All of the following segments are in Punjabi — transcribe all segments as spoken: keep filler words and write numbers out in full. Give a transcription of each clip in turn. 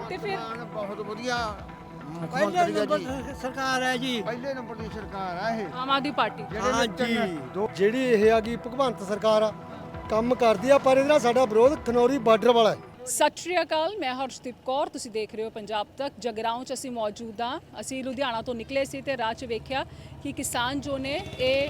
ਤੇ ਫਿਰ ਬਹੁਤ ਵਧੀਆ ਪਹਿਲੇ ਨੰਬਰ ਸਰਕਾਰ ਹੈ ਜੀ। ਪਹਿਲੇ ਨੰਬਰ ਦੀ ਸਰਕਾਰ ਆ ਇਹ ਆਮ ਆਦਮੀ ਪਾਰਟੀ। ਹਾਂ ਜੀ, ਜਿਹੜੀ ਇਹ ਆ ਗਈ ਭਗਵੰਤ ਸਰਕਾਰ ਆ ਕੰਮ ਕਰਦੀ ਆ, ਪਰ ਇਹਦੇ ਨਾਲ ਸਾਡਾ ਵਿਰੋਧ ਖਨੌਰੀ ਬਾਰਡਰ ਵਾਲਾ ਹੈ। ਸਤਿ ਸ਼੍ਰੀ ਅਕਾਲ, ਮੈਂ ਹਰਸ਼ਦੀਪ ਕੌਰ, ਤੁਸੀਂ ਦੇਖ ਰਹੇ ਹੋ ਪੰਜਾਬ ਤੱਕ। ਜਗਰਾਉਂ 'ਚ ਅਸੀਂ ਮੌਜੂਦ ਹਾਂ। ਅਸੀਂ ਲੁਧਿਆਣਾ ਤੋਂ ਨਿਕਲੇ ਸੀ ਤੇ ਰਾਹ 'ਚ ਵੇਖਿਆ ਕਿ ਕਿਸਾਨ ਜੋ ਨੇ ਇਹ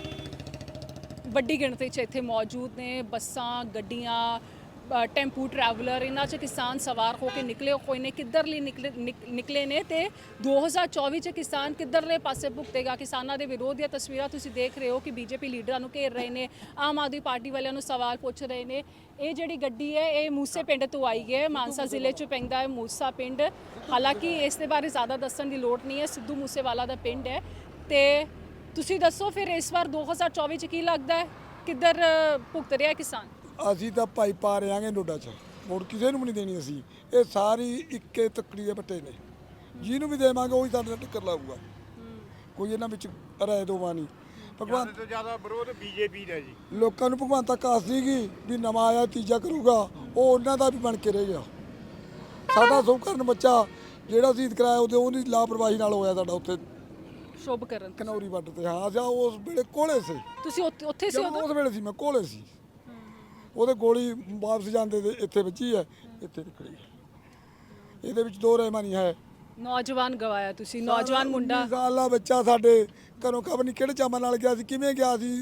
ਵੱਡੀ ਗਿਣਤੀ 'ਚ ਇੱਥੇ ਮੌਜੂਦ ਨੇ। ਬੱਸਾਂ, ਗੱਡੀਆਂ, ਟੈਂਪੂ ਟਰੈਵਲਰ, ਇਹਨਾਂ 'ਚ ਕਿਸਾਨ ਸਵਾਰ ਹੋ ਕੇ ਨਿਕਲੇ ਹੋਏ ਨੇ। ਕਿੱਧਰਲੀ ਨਿਕਲੇ ਨਿਕਲੇ ਨੇ ਤੇ ਦੋ ਹਜ਼ਾਰ ਚੌਵੀ 'ਚ ਕਿਸਾਨ ਕਿੱਧਰਲੇ ਪਾਸੇ ਭੁਗਤੇਗਾ। ਕਿਸਾਨਾਂ ਦੇ ਵਿਰੋਧ ਦੀਆਂ ਤਸਵੀਰਾਂ ਤੁਸੀਂ ਦੇਖ ਰਹੇ ਹੋ ਕਿ ਬੀਜੇਪੀ ਲੀਡਰਾਂ ਨੂੰ ਘੇਰ ਰਹੇ ਨੇ, ਆਮ ਆਦਮੀ ਪਾਰਟੀ ਵਾਲਿਆਂ ਨੂੰ ਸਵਾਲ ਪੁੱਛ ਰਹੇ ਨੇ। ਇਹ ਜਿਹੜੀ ਗੱਡੀ ਹੈ ਇਹ ਮੂਸੇ ਪਿੰਡ ਤੋਂ ਆਈ ਹੈ, ਮਾਨਸਾ ਜ਼ਿਲ੍ਹੇ 'ਚ ਪੈਂਦਾ ਹੈ ਮੂਸਾ ਪਿੰਡ। ਹਾਲਾਂਕਿ ਇਸ ਦੇ ਬਾਰੇ ਜ਼ਿਆਦਾ ਦੱਸਣ ਦੀ ਲੋੜ ਨਹੀਂ ਹੈ, ਸਿੱਧੂ ਮੂਸੇਵਾਲਾ ਦਾ ਪਿੰਡ ਹੈ। ਤੇ ਤੁਸੀਂ ਦੱਸੋ ਫਿਰ ਇਸ ਵਾਰ ਦੋ ਹਜ਼ਾਰ ਚੌਵੀ 'ਚ ਕੀ ਲੱਗਦਾ ਹੈ, ਕਿੱਧਰ ਭੁਗਤ ਰਿਹਾ ਕਿਸਾਨ? ਅਸੀਂ ਤਾਂ ਭਾਈ ਪਾ ਰਿਆਂਗੇ ਨੋਡਾ 'ਚ, ਵੋਟ ਕਿਸੇ ਨੂੰ ਵੀ ਨਹੀਂ ਦੇਣੀ ਅਸੀਂ। ਇਹ ਸਾਰੀ ਇੱਕੇ ਤੱਕੜੀ ਦੇ ਬੱਟੇ ਨੇ, ਜਿਹਨੂੰ ਵੀ ਦੇਵਾਂਗੇ ਉਹੀ ਸਾਡੇ ਨਾਲ ਟੱਕਰ ਲਾਊਗਾ। ਕੋਈ ਇਹਨਾਂ ਵਿੱਚ ਰਾਏ ਦੋਵਾ ਨਹੀਂ। ਭਗਵੰਤ ਤੋਂ ਜ਼ਿਆਦਾ ਵਿਰੋਧ ਬੀਜੇਪੀ ਦਾ ਜੀ। ਲੋਕਾਂ ਨੂੰ ਭਗਵੰਤ ਤੱਕ ਆਸ ਸੀਗੀ ਵੀ ਨਵਾਂ ਆਇਆ ਤੀਜਾ ਕਰੂਗਾ, ਉਹ ਉਹਨਾਂ ਦਾ ਵੀ ਬਣ ਕੇ ਰਹਿ ਗਿਆ। ਸਾਡਾ ਸਭ ਕਰਨ ਬੱਚਾ ਜਿਹੜਾ ਸ਼ਹੀਦ ਕਰਾਇਆ ਉਹਦੇ ਉਹਦੀ ਲਾਪਰਵਾਹੀ ਨਾਲ ਹੋਇਆ ਸਾਡਾ ਉੱਥੇ ਸ਼ੁਭ ਕਰਨ ਖਨੌਰੀ ਬਾਰਡਰ ਤੇ। ਹਾਂ ਜਾਂ ਉਸ ਵੇਲੇ ਕੋਲੇ ਸੀ, ਤੁਸੀਂ ਉੱਥੇ ਸੀ ਉਦੋਂ? ਉਸ ਵੇਲੇ ਸੀ ਮੈਂ ਕੋਲੇ ਸੀ। ਉਹਦੇ ਗੋਲੀ ਵਾਪਸ ਜਾਂਦੇ ਤੇ ਇੱਥੇ ਵੱਜੀ ਹੈ, ਇੱਥੇ ਨਿਕਲੀ। ਇਹਦੇ ਵਿੱਚ ਦੋ ਰਹਿਮਾ ਨਹੀਂ ਹੈ। ਨੌਜਵਾਨ ਗਵਾਇਆ ਤੁਸੀਂ, ਨੌਜਵਾਨ ਮੁੰਡਾ। ਉੱਨੀ ਸਾਲਾ ਬੱਚਾ ਸਾਡੇ ਘਰੋਂ ਖਬਰ ਨਹੀਂ ਕਿਹੜੇ ਚਾਮਾਂ ਨਾਲ ਗਿਆ ਸੀ, ਕਿਵੇਂ ਗਿਆ ਸੀ,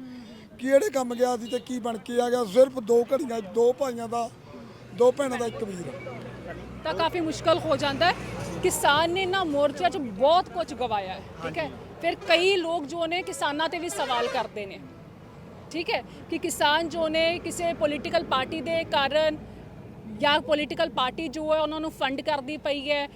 ਕਿਹੜੇ ਕੰਮ ਗਿਆ ਸੀ ਤੇ ਕੀ ਬਣ ਕੇ ਆ ਗਿਆ। ਸਿਰਫ ਦੋ ਘੜੀਆਂ, ਦੋ ਭਾਈਆਂ ਦਾ, ਦੋ ਭੈਣਾਂ ਦਾ ਇੱਕ ਵੀਰ। ਤਾਂ ਕਾਫੀ ਮੁਸ਼ਕਲ ਹੋ ਜਾਂਦਾ ਹੈ। ਕਿਸਾਨ ਨੇ ਨਾ ਮੋਰਚੇ 'ਚ ਬਹੁਤ ਕੁਝ ਗਵਾਇਆ ਹੈ, ਠੀਕ ਹੈ। ਫਿਰ ਕਈ ਲੋਕ ਜੋ ਨੇ ਕਿਸਾਨਾਂ ਤੇ ਵੀ ਸਵਾਲ ਕਰਦੇ ਨੇ, ਠੀਕ ਹੈ, ਕਿ ਕਿਸਾਨ ਜੋ ਨੇ ਕਿਸੇ ਪੋਲੀਟੀਕਲ ਪਾਰਟੀ ਦੇ ਕਾਰਨ ਜਾਂ ਪੋਲੀਟੀਕਲ ਪਾਰਟੀ ਜੋ ਹੈ ਉਹਨਾਂ ਨੂੰ ਫੰਡ ਕਰਦੀ ਪਈ ਹੈ,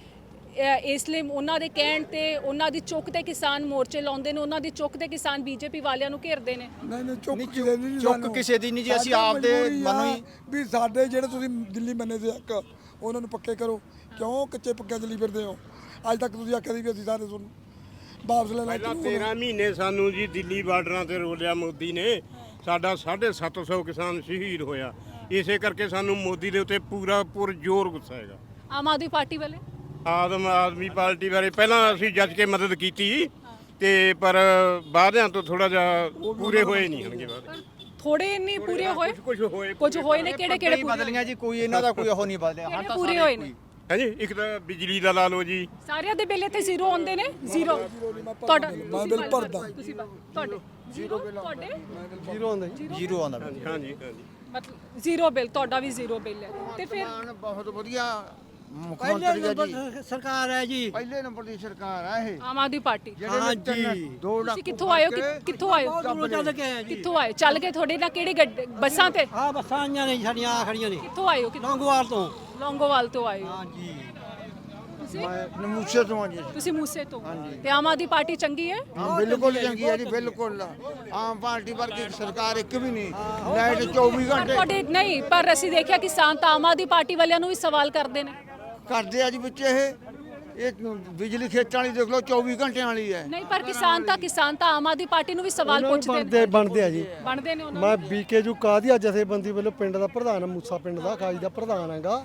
ਇਸ ਲਈ ਉਹਨਾਂ ਦੇ ਕਹਿਣ ਤੇ ਉਹਨਾਂ ਦੀ ਚੁੱਕ ਤੇ ਕਿਸਾਨ ਮੋਰਚੇ ਲਾਉਂਦੇ ਨੇ, ਉਹਨਾਂ ਦੀ ਚੁੱਕ ਤੇ ਕਿਸਾਨ ਬੀਜੇਪੀ ਵਾਲਿਆਂ ਨੂੰ ਘੇਰਦੇ ਨੇ। ਨਹੀਂ ਨਹੀਂ ਚੁੱਕ ਕਿਸੇ ਦੀ ਨਹੀਂ, ਚੁੱਕ ਕਿਸੇ ਦੀ ਨਹੀਂ ਜੀ। ਅਸੀਂ ਆਪਦੇ ਮਨੋਂ ਹੀ ਵੀ ਸਾਡੇ ਜਿਹੜੇ ਤੁਸੀਂ ਦਿੱਲੀ ਮੰਨੇ ਦੇ ਹੱਕ ਉਹਨਾਂ ਨੂੰ ਪੱਕੇ ਕਰੋ। ਕਿਉਂ ਕੱਚੇ ਪੱਕੇ ਚੱਲੀ ਫਿਰਦੇ ਹੋ? ਅੱਜ ਤੱਕ ਤੁਸੀਂ ਆਖਿਆ ਸੀ ਵੀ ਅਸੀਂ ਸਾਰੇ ਤੁਹਾਨੂੰ ਵਾਪਸ ਲੈ ਲੈ। ਪਹਿਲਾਂ ਤੇਰਾਂ ਮਹੀਨੇ ਸਾਨੂੰ ਜੀ ਦਿੱਲੀ ਬਾਰਡਰਾਂ ਤੇ ਰੋਲਿਆ ਮੋਦੀ ਨੇ। ਸਾਡਾ ਸਾਢੇ ਸੱਤ ਸੌ ਕਿਸਾਨ ਸ਼ਹੀਦ ਹੋਇਆ। ਇਸੇ ਕਰਕੇ ਸਾਨੂੰ ਮੋਦੀ ਦੇ ਉੱਤੇ ਪੂਰਾ ਪੁਰ ਜ਼ੋਰ ਗੁੱਸਾ ਹੈਗਾ। ਆਮ ਆਦਮੀ ਪਾਰਟੀ ਵਾਲੇ ਆਦਮ ਆਦਮੀ ਪਾਰਟੀ ਬਾਰੇ ਪਹਿਲਾਂ ਅਸੀਂ ਜੱਜ ਕੇ ਮਦਦ ਕੀਤੀ ਤੇ ਪਰ ਵਾਅਦਿਆਂ ਤੋਂ ਥੋੜਾ ਜਿਹਾ ਪੂਰੇ ਹੋਏ ਨਹੀਂ ਹਨਗੇ ਵਾਅਦੇ। ਥੋੜੇ ਨਹੀਂ ਪੂਰੇ ਹੋਏ, ਕੁਝ ਹੋਏ ਕੁਝ ਹੋਏ ਨੇ। ਕਿਹੜੇ ਕਿਹੜੇ ਬਦਲੀਆਂ ਜੀ? ਕੋਈ ਇਹਨਾਂ ਦਾ ਕੋਈ ਉਹ ਨਹੀਂ ਬਦਲਿਆ। ਹਾਂ ਤਾਂ ਪੂਰੇ ਹੋਏ ਨੇ ਹੈ ਜੀ। ਇੱਕ ਤਾਂ ਬਿਜਲੀ ਦਾ ਲਾ ਲਓ ਜੀ, ਸਾਰਿਆਂ ਦੇ ਬਿੱਲ ਇੱਥੇ ਜ਼ੀਰੋ ਆਉਂਦੇ ਨੇ। ਜ਼ੀਰੋ ਤੁਹਾਡਾ ਮੈਂ ਬਿੱਲ ਭਰਦਾ। ਤੁਸੀਂ ਤੁਹਾਡੇ ਜ਼ੀਰੋ ਤੁਹਾਡੇ ਜ਼ੀਰੋ ਆਉਂਦਾ ਜੀ, ਜ਼ੀਰੋ ਆਉਂਦਾ। ਹਾਂਜੀ ਹਾਂਜੀ ਹਾਂਜੀ। ਮਤਲਬ ਜ਼ੀਰੋ ਬਿੱਲ, ਤੁਹਾਡਾ ਵੀ ਜ਼ੀਰੋ ਬਿੱਲ ਹੈ। ਤੇ ਫਿਰ ਬਹੁਤ ਵਧੀਆ ਮੁੱਖ ਪਹਿਲੇ ਮੰਤਰੀ ਆ ਜੀ। ਨੰਬਰ ਸਰਕਾਰ ਹੈ ਜੀ। ਪਹਿਲੇ ਨੰਬਰ ਦੀ ਸਰਕਾਰ ਆ ਇਹ। ਆਮ ਆਦਮੀ ਪਾਰਟੀ। ਹਾਂ ਜੀ। ਦੋ ਲੱਖ ਤੁਸੀਂ ਕਿੱਥੋਂ ਆਏ ਹੋ? ਕਿ- ਕਿੱਥੋਂ ਆਏ ਹੋ? ਬਹੁਤ ਦੂਰੋਂ ਚੱਲ ਕੇ ਆਏ ਜੀ। ਕਿੱਥੋਂ ਆਏ? ਚੱਲ ਕੇ ਤੁਹਾਡੇ ਨਾਲ ਕਿਹੜੀ ਗੱਡੀ, ਬੱਸਾਂ ਤੇ? ਹਾਂ ਬੱਸਾਂ ਆਈਆਂ ਨੇ ਸਾਡੀਆਂ ਆ ਖੜੀਆਂ ਨੇ ਕਿੱਥੋਂ ਆਏ ਹੋ? ਕਿੱਥੋਂ? ਲੌਂਗੋਵਾਲ ਤੋਂ। ਲੌਂਗੋਵਾਲ ਤੋਂ ਆਏ ਹੋ ਹਾਂ ਜੀ। ਤੁਸੀਂ? ਮੈਂ ਨਮੂਸੇ ਤੋਂ ਆ ਜੀ। ਤੁਸੀਂ ਮੂਸੇ ਤੋਂ। ਤੇ ਆਮ ਆਦਮੀ ਪਾਰਟੀ ਚੰਗੀ ਹੈ? ਹਾਂ ਬਿਲਕੁਲ ਚੰਗੀ ਹੈ ਜੀ, ਬਿਲਕੁਲ। ਆਮ ਪਾਰਟੀ ਵਰਗੀ ਸਰਕਾਰ ਇੱਕ ਵੀ ਨਹੀਂ। ਲਾਈਟ ਚੌਵੀ ਪਰ ਘੰਟੇ ਤੁਹਾਡੇ ਨਹੀਂ, ਪਰ ਅਸੀਂ ਦੇਖਿਆ ਕਿਸਾਨ ਤਾਂ ਆਮ ਆਦਮੀ ਪਾਰਟੀ ਵਾਲਿਆਂ ਨੂੰ ਵੀ ਸਵਾਲ ਕਰਦੇ ਨੇ। ਕਰਦੇ ਆ ਜੀ ਵਿੱਚ ਇਹ ਇਹ ਬਿਜਲੀ ਖੇਤਾਂ ਵਾਲੀ ਦੇਖ ਲਓ ਚੌਵੀ ਘੰਟਿਆਂ ਵਾਲੀ ਹੈ। ਨਹੀਂ, ਪਰ ਕਿਸਾਨ ਤਾਂ ਕਿਸਾਨ ਤਾਂ ਆਮ ਆਦਮੀ ਪਾਰਟੀ ਨੂੰ ਵੀ ਸਵਾਲ ਪੁੱਛਦੇ ਬਣਦੇ ਨੇ। ਬਣਦੇ ਆ ਜੀ। ਬਣਦੇ ਨੇ ਉਹਨਾਂ ਮੈਂ ਬੀਕੇ ਜੂ ਕਾਦੀਆ ਜਥੇਬੰਦੀ ਵੱਲੋਂ ਪਿੰਡ ਦਾ ਪ੍ਰਧਾਨ ਆ, ਮੂਸਾ ਪਿੰਡ ਦਾ ਕਾਜੀ ਦਾ ਪ੍ਰਧਾਨ ਹੈਗਾ।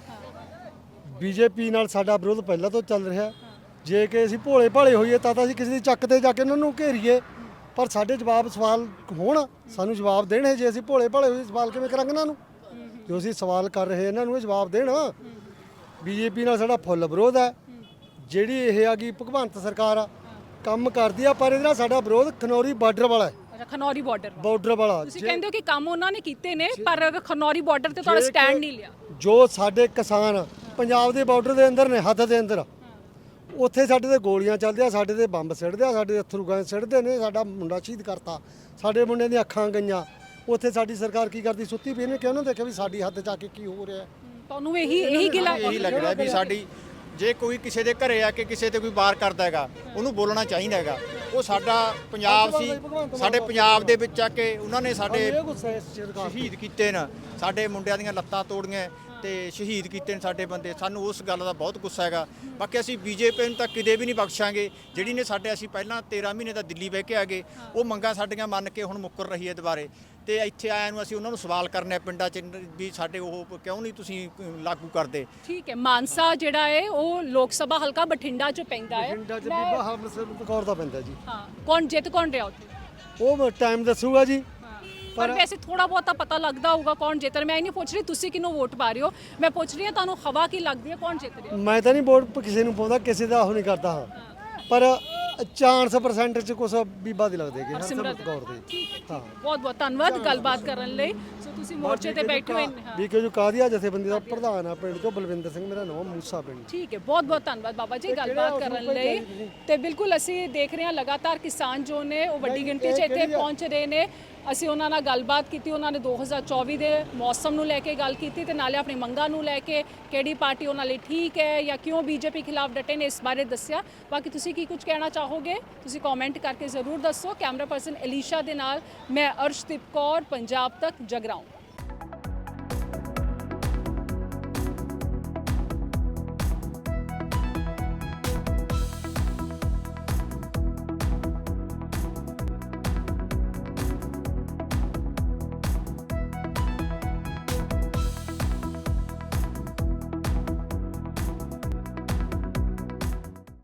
ਬੀਜੇਪੀ ਨਾਲ ਸਾਡਾ ਵਿਰੋਧ ਪਹਿਲਾਂ ਤੋਂ ਚੱਲ ਰਿਹਾ। ਜੇ ਕਿ ਅਸੀਂ ਭੋਲੇ ਭਾਲੇ ਹੋਈਏ ਤਾਂ ਤਾਂ ਅਸੀਂ ਕਿਸੇ ਦੀ ਚੱਕ ਤੇ ਜਾ ਕੇ ਉਹਨਾਂ ਨੂੰ ਘੇਰੀਏ, ਪਰ ਸਾਡੇ ਜਵਾਬ ਸਵਾਲ ਹੋਣ, ਸਾਨੂੰ ਜਵਾਬ ਦੇਣ। ਜੇ ਅਸੀਂ ਭੋਲੇ ਭਾਲੇ ਹੋਈਏ ਸਵਾਲ ਕਿਵੇਂ ਕਰਾਂਗੇ ਇਹਨਾਂ ਨੂੰ? ਜੋ ਅਸੀਂ ਸਵਾਲ ਕਰ ਰਹੇ ਇਹਨਾਂ ਨੂੰ ਇਹ ਜਵਾਬ ਦੇਣ। ਬੀਜੇਪੀ ਨਾਲ ਸਾਡਾ ਫੁੱਲ ਵਿਰੋਧ ਹੈ। ਜਿਹੜੀ ਇਹ ਆ ਗਈ ਭਗਵੰਤ ਸਰਕਾਰ ਆ ਕੰਮ ਕਰਦੀ ਆ, ਪਰ ਇਹਦੇ ਨਾਲ ਸਾਡਾ ਵਿਰੋਧ ਖਨੌਰੀ ਬਾਰਡਰ ਵਾਲਾ ਹੈ। ਅੱਛਾ, ਖਨੌਰੀ ਬਾਰਡਰ ਬਾਰਡਰ ਵਾਲਾ। ਤੁਸੀਂ ਕਹਿੰਦੇ ਹੋ ਕਿ ਕੰਮ ਉਹਨਾਂ ਨੇ ਕੀਤੇ ਨੇ, ਪਰ ਖਨੌਰੀ ਬਾਰਡਰ ਤੇ ਤੁਹਾਡਾ ਸਟੈਂਡ ਨਹੀਂ ਲਿਆ। ਜੋ ਸਾਡੇ ਕਿਸਾਨ ਪੰਜਾਬ ਦੇ ਬਾਰਡਰ ਦੇ ਅੰਦਰ ਨੇ, ਹੱਦ ਦੇ ਅੰਦਰ, ਉੱਥੇ ਸਾਡੇ ਤੇ ਗੋਲੀਆਂ ਚੱਲਦੀਆਂ, ਸਾਡੇ ਤੇ ਬੰਬ ਸਿੱਟਦੇ ਆ, ਸਾਡੇ ਅਥਰੂ ਗੈਸ ਸਿੱਟਦੇ ਨੇ। ਸਾਡਾ ਮੁੰਡਾ ਸ਼ਹੀਦ ਕਰਤਾ, ਸਾਡੇ ਮੁੰਡੇ ਦੀਆਂ ਅੱਖਾਂ ਗਈਆਂ। ਉੱਥੇ ਸਾਡੀ ਸਰਕਾਰ ਕੀ ਕਰਦੀ? ਸੁੱਤੀ ਪਈ ਨੇ। ਕਿਉਂ ਨਾ ਦੇਖਿਆ ਵੀ ਸਾਡੀ ਹੱਦ 'ਚ ਆ ਕੇ ਕੀ ਹੋ ਰਿਹਾ? ਤੁਹਾਨੂੰ ਇਹੀ ਇਹੀ ਗਿਲਾ ਇਹੀ ਲੱਗਦਾ ਵੀ ਸਾਡੀ ਜੇ ਕੋਈ ਕਿਸੇ ਦੇ ਘਰੇ ਆ ਕੇ ਕਿਸੇ ਤੇ ਕੋਈ ਵਾਰ ਕਰਦਾ ਹੈਗਾ, ਉਹਨੂੰ ਬੋਲਣਾ ਚਾਹੀਦਾ ਹੈਗਾ। ਉਹ ਸਾਡਾ ਪੰਜਾਬ ਸੀ, ਸਾਡੇ ਪੰਜਾਬ ਦੇ ਵਿੱਚ ਆ ਕੇ ਉਹਨਾਂ ਨੇ ਸਾਡੇ ਸ਼ਹੀਦ ਕੀਤੇ ਨੇ, ਸਾਡੇ ਮੁੰਡਿਆਂ ਦੀਆਂ ਲੱਤਾਂ ਤੋੜੀਆਂ। ਤੇ ਸ਼ਹੀਦ ਕੀਤੇ ਨੇ ਸਾਡੇ ਬੰਦੇ। ਸਾਨੂੰ ਉਸ ਗੱਲ ਦਾ ਬਹੁਤ ਗੁੱਸਾ ਹੈਗਾ। ਬਾਕੀ ਅਸੀਂ ਬੀਜੇਪੀ ਨੂੰ ਤਾਂ ਕਿਤੇ ਵੀ ਨਹੀਂ ਬਖਸ਼ਾਂਗੇ, ਜਿਹੜੀ ਨੇ ਸਾਡੇ ਅਸੀਂ ਪਹਿਲਾਂ ਤੇਰਾਂ ਮਹੀਨੇ ਦਾ ਦਿੱਲੀ ਬਹਿ ਕੇ ਆ ਗਏ, ਉਹ ਮੰਗਾਂ ਸਾਡੀਆਂ ਮੰਨ ਕੇ ਹੁਣ ਮੁੱਕਰ ਰਹੀ ਹੈ ਦੁਬਾਰੇ। ਤੇ ਇੱਥੇ ਆਇਆਂ ਨੂੰ ਅਸੀਂ ਉਹਨਾਂ ਨੂੰ ਸਵਾਲ ਕਰਨੇ ਆ ਪਿੰਡਾਂ 'ਚ ਵੀ ਸਾਡੇ ਉਹ ਕਿਉਂ ਨਹੀਂ ਤੁਸੀਂ ਲਾਗੂ ਕਰਦੇ। ਠੀਕ ਹੈ, ਮਾਨਸਾ ਜਿਹੜਾ ਹੈ ਉਹ ਲੋਕ ਸਭਾ ਹਲਕਾ ਬਠਿੰਡਾ 'ਚ ਪੈਂਦਾ ਹੈ। ਪਿੰਡਾਂ 'ਚ ਬੀਬਾ ਹਰਮਨਸਿਮਰਤ ਕੌਰ ਦਾ ਪੈਂਦਾ ਜੀ। ਹਾਂ, ਕੌਣ ਜਿੱਤ ਕੌਣ ਰਿਹਾ ਉੱਥੇ? ਉਹ ਟਾਈਮ ਦੱਸੂਗਾ ਜੀ। ਪਰ ਵੈਸੇ ਥੋੜਾ ਬਹੁਤਾ ਪਤਾ ਲੱਗਦਾ ਹੋਊਗਾ ਕੌਣ ਜਿੱਤ ਰਿਹਾ। ਮੈਂ ਇਹ ਨਹੀਂ ਪੁੱਛ ਰਹੀ ਤੁਸੀਂ ਕਿਹਨੂੰ ਵੋਟ ਪਾ ਰਹੇ ਹੋ, ਮੈਂ ਪੁੱਛ ਰਹੀ ਹਾਂ ਤੁਹਾਨੂੰ ਹਵਾ ਕੀ ਲੱਗਦੀ ਹੈ, ਕੌਣ ਜਿੱਤ ਰਿਹਾ? ਮੈਂ ਤਾਂ ਨਹੀਂ ਵੋਟ ਕਿਸੇ ਨੂੰ ਪਾਉਂਦਾ, ਕਿਸੇ ਦਾ ਉਹ ਨਹੀਂ ਕਰਦਾ ਹਾਂ, ਪਰ ਚਾਰ ਸੌ ਪਰਸੈਂਟ ਚ ਕੁਛ ਬੀਬਾ ਦੀ ਲੱਗਦੇ ਕਿ ਹਰਸਿਮਰਤ ਕੌਰ ਦੀ। ਹਾਂ, ਬਹੁਤ ਬਹੁਤ ਧੰਨਵਾਦ ਗੱਲਬਾਤ ਕਰਨ ਲਈ। ਸੋ ਤੁਸੀਂ ਮੋਰਚੇ ਤੇ ਬੈਠੇ ਹੋਏ ਨੇ। ਵੀ ਕਿ ਜੋ ਕਾਦੀਆ ਜਥੇਬੰਦੀ ਦਾ ਪ੍ਰਧਾਨ ਆ ਪਿੰਡ ਚੋਂ, ਬਲਵਿੰਦਰ ਸਿੰਘ ਮੇਰਾ ਨਾਮ, ਮੂਸਾ ਪਿੰਡ। ਠੀਕ ਹੈ, ਬਹੁਤ ਬਹੁਤ ਧੰਨਵਾਦ ਬਾਬਾ ਜੀ ਗੱਲਬਾਤ ਕਰਨ ਲਈ। ਤੇ ਬਿਲਕੁਲ ਅਸੀਂ ਦੇਖ ਰਹੇ ਹਾਂ ਲਗਾਤਾਰ ਕਿਸਾਨ ਜੋ ਨੇ ਉਹ ਵੱਡੀ ਗਿਣਤੀ 'ਚ ਇੱਥੇ ਪਹੁੰਚ ਰਹੇ ਨੇ। ਅਸੀਂ ਉਹਨਾਂ ਨਾਲ ਗੱਲਬਾਤ ਕੀਤੀ, ਉਹਨਾਂ ਨੇ ਦੋ ਹਜ਼ਾਰ ਚੌਵੀ ਦੇ ਮੌਸਮ ਨੂੰ ਲੈ ਕੇ ਗੱਲ ਕੀਤੀ ਤੇ ਨਾਲੇ ਆਪਣੀ ਮੰਗਾਂ ਨੂੰ ਲੈ ਕੇ ਕਿਹੜੀ ਪਾਰਟੀ ਉਹਨਾਂ ਲਈ ਠੀਕ ਹੈ ਜਾਂ ਕਿਉਂ ਬੀਜੇਪੀ ਖਿਲਾਫ ਡਟੇ ਨੇ ਇਸ ਬਾਰੇ ਦੱਸਿਆ। ਬਾਕੀ ਤੁਸੀਂ ਕੀ ਕੁਝ ਕਹਿਣਾ ਚਾਹੋਗੇ ਤੁਸੀਂ ਕਮੈਂਟ ਕਰਕੇ ਜ਼ਰੂਰ ਦੱਸੋ। ਕੈਮਰਾ ਪਰਸਨ ਅਲੀਸ਼ਾ ਦੇ ਨਾਲ ਮੈਂ ਅਰਸ਼ਦੀਪ ਕੌਰ, ਪੰਜਾਬ ਤੱਕ ਜਗਰਾਉਂ।